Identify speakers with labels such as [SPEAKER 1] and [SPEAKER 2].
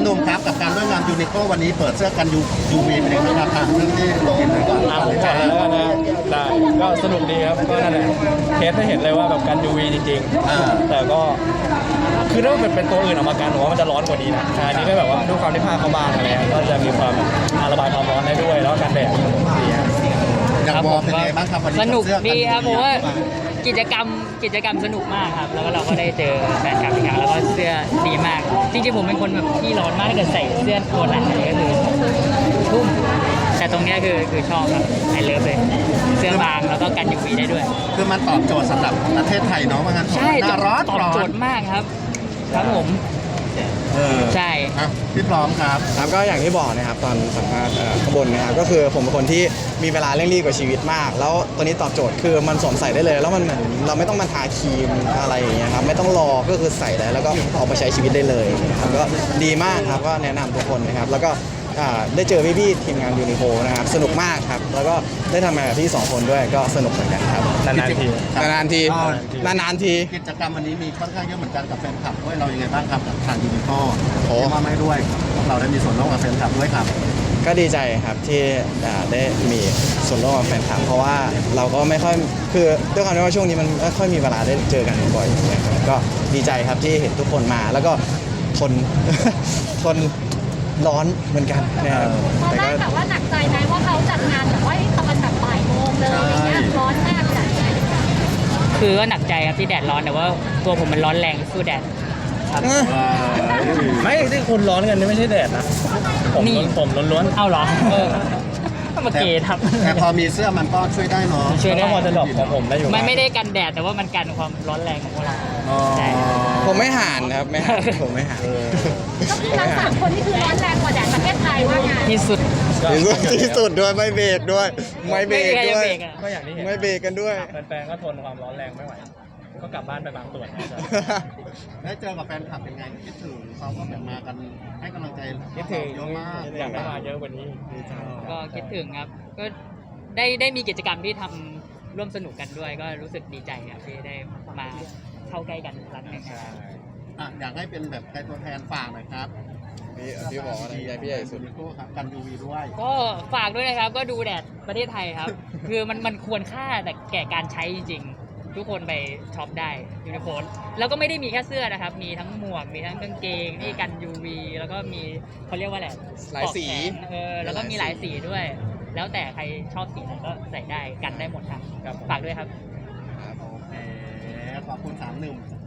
[SPEAKER 1] หนุ่มครับกับการร่วมงานยูนิโควันนี้เปิดเสื้อกันUVเป็นยังไงบ้างครับเรื่องที่กินเลยก่อน
[SPEAKER 2] ผมก่อนแล้วกันนะได้ก็สนุกดีครับก็นั่นแหละเทสให้เห็นเลยว่าแบบกัน UV จริงๆแต่ก็คือถ้าเป็นตัวอื่นออกมากันผมว่ามันจะร้อนกว่านี้นะอันนี้ก็แบบว่าด้วยความที่ผ้าเขาบางอะไรก็จะมีความระบายความร้อนได้ด้วยแล้วกันแดดดีครับ
[SPEAKER 1] อย่างวอเป็นยังไงบ้างครับวันนี้
[SPEAKER 3] สนุกดีครับผมว่า
[SPEAKER 1] UV
[SPEAKER 3] กิจกรรมสนุกมากครับแล้วก็เราก็ได้เจอแฟนคลับอีกครั้งแล้วก็เสื้อดีมากจริงๆผมเป็นคนแบบที่ร้อนมากถ้าเกิดใส่เสื้อตัวหนาก็คือทุ่มแต่ตรงเนี้ยคือชอบครับไอเลิฟเลยเสื้อบางแล้วก็กัน UV ได้ด้วย
[SPEAKER 1] คือมันตอบโจทย์สำหรับประเทศไทยเนาะว่างั้น
[SPEAKER 3] ใช่
[SPEAKER 1] หน้าร้อน
[SPEAKER 3] ตอบโจทย์มากครับครับผมใช่
[SPEAKER 1] ครับพี่พร้อมครับ
[SPEAKER 4] ครับก็อย่างที่บอกนะครับตอนสัมภาษณ์ข้างบนนะครับก็คือผมเป็นคนที่มีเวลาเร่งรีบกับชีวิตมาก แล้วตัวนี้ตอบโจทย์คือมันสวมใส่ได้เลย แล้วมันเหมือนเราไม่ต้องมาทาครีมอะไรอย่างเงี้ยครับไม่ต้องรอก็คือใส่ได้แล้วก็ออกมาใช้ชีวิตได้เลยนะครับก็ดีมากครับก็แนะนำทุกคนนะครับแล้วก็ได้เจอพี่ๆทีมงานยูนิโคนะครับสนุกมากครับแล้วก็ได้ทำงานกับพี่2คนด้วยก็สนุกเหมือนกันครับ
[SPEAKER 2] นานๆที
[SPEAKER 4] นานๆทีนานๆที
[SPEAKER 1] กิจกรรมวันนี้มีค่อนข้างเยอะเหมือนกันกับแฟนคลับด้วยเรายังไงบ้างครับกับทางยูนิโค
[SPEAKER 4] โอ้
[SPEAKER 1] ที่ว่าไม่ด้วยเราได้มีส่วนร่วมกับแฟนคลับด้วยครับ
[SPEAKER 4] ก็ดีใจครับที่ได้มีส่วนร่วมกับแฟนคลับเพราะว่าเราก็ไม่ค่อยคือด้วยความที่ว่าช่วงนี้มันไม่ค่อยมีเวลาได้เจอกันบ่อยนะครับก็ดีใจครับที่เห็นทุกคนมาแล้วก็ทน ทนร้อนเหมือนกันนะครับ
[SPEAKER 5] ตอนแรกแบบว่าหนักใจไหมว่าเขาจัดงานแบบว่าตอนแบบบ่ายโมงเลยอย่างเงี้ยร้อนมากเลย
[SPEAKER 3] คือก็หนักใจครับที่แดดร้อนแต่ว่าตัวผมมันร้อนแรงสู้แดดครับ
[SPEAKER 2] ไม่ที่คุณร้อนกันนี่ไม่ใช่แดดนะผมล้วน
[SPEAKER 3] เอาเหรอมาเกทับ
[SPEAKER 1] แต่พอมีเสื้อมันก็ช่วยได้เนาะ
[SPEAKER 3] ช่วย
[SPEAKER 2] ๆ
[SPEAKER 3] ได้
[SPEAKER 2] ก็พอจะหลบของผมได้อยู่
[SPEAKER 3] มันไม่ได้กันแดดแต่ว่ามันกันความร้อนแรงของพวกเรา
[SPEAKER 1] อ๋อ
[SPEAKER 3] ใช่
[SPEAKER 4] ผมไม่ห่านครับไม่ห่านผมไม่ห่าน
[SPEAKER 5] ก็คือทั้งสามคนนี่คือร้อนแรงกว่าแดดประเทศไทยว่างาน
[SPEAKER 3] ที่สุด
[SPEAKER 4] ที่สุดด้วยไม่เบรกด้วยไม่เบรก
[SPEAKER 3] ไม่มีใครจะ
[SPEAKER 4] ด้วย
[SPEAKER 3] เบรกอะ
[SPEAKER 2] ก็อย่างที่เห็น
[SPEAKER 4] ไม่เบรกกันด้วย
[SPEAKER 2] แฟนๆก็ทนความร้อนแรงไม่ไหวก็กลับบ้านไปบางส่วนนะจ๊ะ
[SPEAKER 1] ได้เจอกับแฟนคลับเป็นไงคิดถึงเขาก็แบบมากันให้กำลังใจ
[SPEAKER 2] คิดถึง
[SPEAKER 1] เยอะมาก
[SPEAKER 2] อยากให้มาเยอะกว่านี้
[SPEAKER 3] ก็คิดถึงครับ ก็ได้มีกิจกรรมที่ทำร่วมสนุกกันด้วย ก็รู้สึกดีใจครับที่ได้มาเข้าใกล้กันอีกครั้งหนึงนะครับ
[SPEAKER 1] อ่ะอยากให้เป็นแบบใครตัวแทนฝากหน่อยครับ
[SPEAKER 4] พี่บอกว่าใหญ่พี่ใหญ่สุด
[SPEAKER 1] ยูนิโคครับกัน UV ด้วย
[SPEAKER 3] ก็ฝากด้วยนะครับ ก็ดูแดดประเทศไทยครับ คือมันควรค่าแต่แก่การใช้จริงๆ ทุกคนไปช็อปได้ยูนิโคแล้วก็ไม่ได้มีแค่เสื้อนะครับ มีทั้งหมวก มีทั้งกางเกงที่กัน UV แล้วก็มีเขาเรียกว่าอะไร
[SPEAKER 4] หลายสี
[SPEAKER 3] ปลอกแขนแล้วก็มีหลายสีด้วย แล้วแต่ใครชอบสีไหนก็ใส่ได้กันได้หมดครับฝากด้วยครับ
[SPEAKER 1] โอเคขอบคุณ3 หนุ่ม